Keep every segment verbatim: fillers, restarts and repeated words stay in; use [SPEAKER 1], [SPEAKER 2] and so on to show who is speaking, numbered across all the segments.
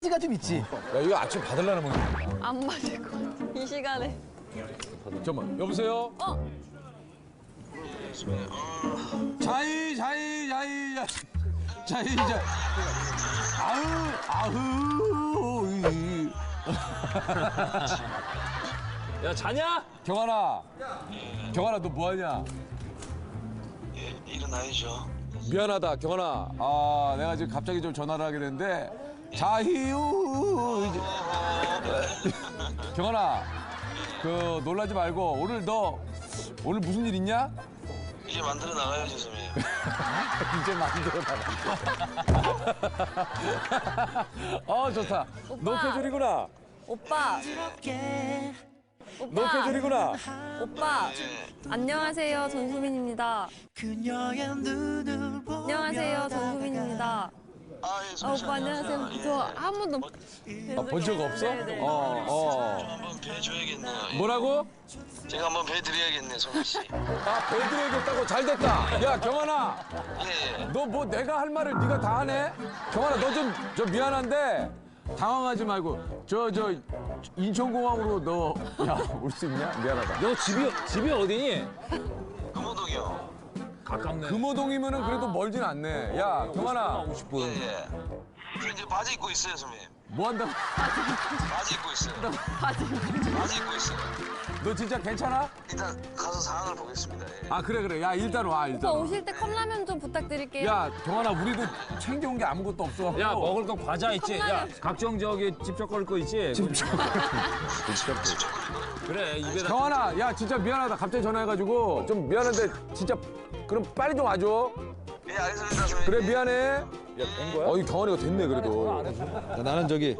[SPEAKER 1] 가 좀 있지.
[SPEAKER 2] 야 이거 아침 받으려나 먹는 거야.
[SPEAKER 3] 안 맞을 것 같아. 이 시간에.
[SPEAKER 2] 잠깐만 여보세요?
[SPEAKER 3] 어?
[SPEAKER 2] 자이 자이 자이 자이 자 아우 아우 이.
[SPEAKER 4] 야 자냐?
[SPEAKER 2] 경환아 경환아 너 뭐하냐?
[SPEAKER 5] 예, 일어나야죠.
[SPEAKER 2] 미안하다 경환아 아 내가 지금 갑자기 좀 전화를 하게 됐는데 자희우 이제 경환아 그 놀라지 말고 오늘 너 오늘 무슨 일 있냐?
[SPEAKER 5] 이제 만들어 나가야죠, 선생님.
[SPEAKER 2] 이제 만들어 나가. 어 좋다.
[SPEAKER 3] 오빠.
[SPEAKER 2] 노캐줄이구나.
[SPEAKER 3] 오빠. 오빠.
[SPEAKER 2] 노캐줄이구나.
[SPEAKER 3] 오빠.
[SPEAKER 5] 예.
[SPEAKER 3] 안녕하세요. 전수민입니다. 안녕하세요. 전수민입니다.
[SPEAKER 5] 아, 예,
[SPEAKER 3] 아,
[SPEAKER 5] 선생님.
[SPEAKER 3] 오빠 안녕하세요.
[SPEAKER 5] 예,
[SPEAKER 3] 저
[SPEAKER 5] 예.
[SPEAKER 3] 한 번도
[SPEAKER 2] 아, 본 적 없어?
[SPEAKER 3] 네네.
[SPEAKER 2] 어 어.
[SPEAKER 5] 한번 뵈줘야겠네요. 예.
[SPEAKER 2] 뭐라고?
[SPEAKER 5] 제가 한번 뵈드려야겠네, 송미 씨.
[SPEAKER 2] 아 배드려야겠다고 잘 됐다. 야 경환아,
[SPEAKER 5] 예, 예.
[SPEAKER 2] 너 뭐 내가 할 말을 네가 다 하네? 경환아 너 좀 저 미안한데 당황하지 말고 저 저 인천공항으로 너 야 올 수 있냐? 미안하다.
[SPEAKER 4] 너 집이 집이 어디니?
[SPEAKER 5] 금호동이요.
[SPEAKER 4] 가깝네.
[SPEAKER 2] 금호동이면은 그래도 멀진 않네. 야 경환아
[SPEAKER 5] 예, 예. 저 이제 바지 입고 있어요, 선생님.
[SPEAKER 2] 뭐 한다?
[SPEAKER 5] 바지 입고 있어요. 바지 입고 있어요.
[SPEAKER 2] 너 진짜 괜찮아?
[SPEAKER 5] 일단 가서 상황을 보겠습니다. 예.
[SPEAKER 2] 아 그래 그래 야 일단 와
[SPEAKER 3] 오빠
[SPEAKER 2] 일단 와.
[SPEAKER 3] 오실 때 컵라면 좀 부탁드릴게요.
[SPEAKER 2] 야 경환아 우리도 챙겨온 게 아무것도 없어.
[SPEAKER 4] 야 먹을 거 과자 있지? 야
[SPEAKER 3] 컵라면.
[SPEAKER 4] 각종 저기 집적거릴 거 있지? 그래 입에다.
[SPEAKER 2] 경환아 야 진짜 미안하다 갑자기 전화해가지고 좀 미안한데 진짜 그럼 빨리 좀 와줘.
[SPEAKER 5] 예, 알겠습니다, 선생님.
[SPEAKER 2] 그래 미안해.
[SPEAKER 4] 된 거야?
[SPEAKER 2] 어이 경환이가 됐네 그래도. 야, 나는 저기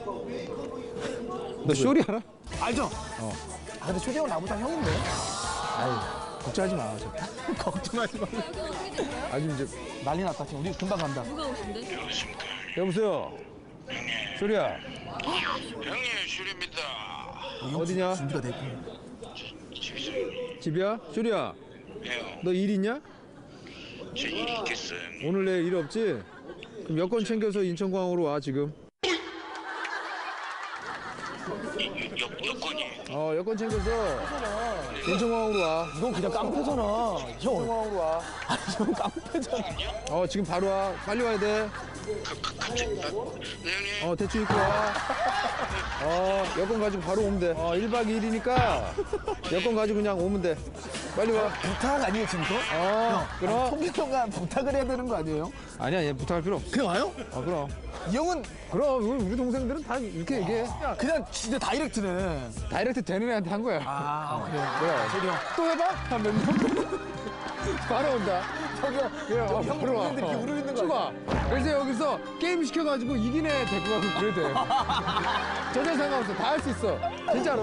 [SPEAKER 2] 너 쇼리 알아?
[SPEAKER 1] 알죠? 어. 아, 근데 초대형 나보다 형인데. 아유, 걱정하지 마. 저. 걱정하지 마.
[SPEAKER 2] 아니 이제
[SPEAKER 1] 난리 났다. 지금 우리 금방 간다.
[SPEAKER 2] 여보세요. 쇼리야
[SPEAKER 5] 형님, 슈리입니다.
[SPEAKER 2] 어디냐?
[SPEAKER 1] 준비가 됐고.
[SPEAKER 2] 집이야? 쇼리야
[SPEAKER 5] 예,
[SPEAKER 2] 너 일 있냐?
[SPEAKER 5] 제 일이 있겠어요.
[SPEAKER 2] 오늘 내 일 없지? 그럼 여권 챙겨서 인천공항으로 와 지금.
[SPEAKER 5] 여, 여권이.
[SPEAKER 2] 어 여권 챙겨서 인천공항으로 와.
[SPEAKER 1] 이건 그냥 깡패잖아. 형.
[SPEAKER 2] 인천공항으로 와.
[SPEAKER 1] 아니, 형 깡패잖아.
[SPEAKER 2] 어 지금 바로 와. 빨리 와야 돼.
[SPEAKER 5] 갑자기, 아, 네, 형님.
[SPEAKER 2] 어 대충 입고 와. 어 여권 가지고 바로 오면 돼. 어 일 박 이 일이니까 여권 가지고 그냥 오면 돼. 빨리 와.
[SPEAKER 1] 부탁 아니에요, 지금 거?
[SPEAKER 2] 어 그럼.
[SPEAKER 1] 통기통과 부탁을 해야 되는 거 아니에요?
[SPEAKER 2] 아니야 얘 부탁할 필요 없어.
[SPEAKER 1] 그냥 와요?
[SPEAKER 2] 어 그럼.
[SPEAKER 1] 이 형은
[SPEAKER 2] 그럼 우리 우리 동생들은 다 이렇게 얘기해.
[SPEAKER 1] 그냥 진짜 다이렉트네.
[SPEAKER 2] 다이렉트 되는 애한테 한 거야.
[SPEAKER 1] 아, 그래.
[SPEAKER 2] 그래.
[SPEAKER 1] 저리 형.
[SPEAKER 2] 또 해봐? 하면 바로 온다.
[SPEAKER 1] 저기요.
[SPEAKER 2] 그래, 어,
[SPEAKER 1] 형
[SPEAKER 2] 바로 와.
[SPEAKER 1] 동생들 이렇게 우르고 있는 거
[SPEAKER 2] 쭉
[SPEAKER 1] 아니야?
[SPEAKER 2] 와. 그래서 여기서 게임 시켜가지고 이긴 애 데리고 가고 그래도 돼. 전혀 상관없어. 다 할 수 있어. 진짜로.